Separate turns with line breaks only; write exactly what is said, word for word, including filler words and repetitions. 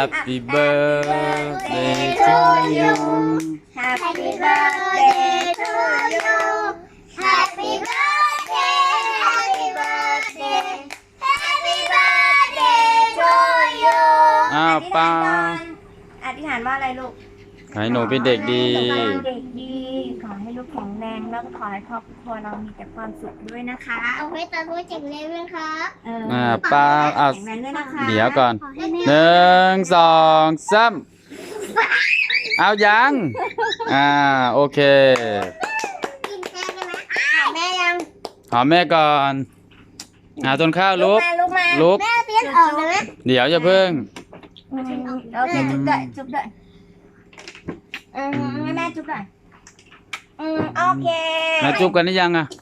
Happy birthday to you
Happy birthday to you Happy birthday Happy birthday Happy birthday to you
อ้าวเปล่า
อธิษฐานว่าอะไรลูก
ให้หนูเป็นเด็กดี
ขอให้หนูเป็นเด็กดีขอให้ลูกแข็งแรงแล้วก็ขอให้ครอบครัวเรามีแต่ความสุขด้วยนะคะ
เอาไว้ตาด้วยเจ๋งเลยนะครับ
เออ
อ่าเปล่าอ่ะ
แข็งแรงด้วยนะคะ
เดี๋ยวก่อน
ขอให้แม่
หนึ่งสองสามเอายัง อ่า โอเค
กินแค่ได้ไหม
อ่ะแม่ยัง
หอมแม่ก่อนหาต้นข้าวลุก
มาลุกมา
ลุก
แม่เปลี่ยนออกเลยไหม
เดี๋ยวอย่าเพิ่ง
อืมโอเคจุ๊บด้วยจุ๊บด้วยอืมให้แม่จุ๊บหน่อยอืมโอเค
มาจุบกันหรือยังอ่ะ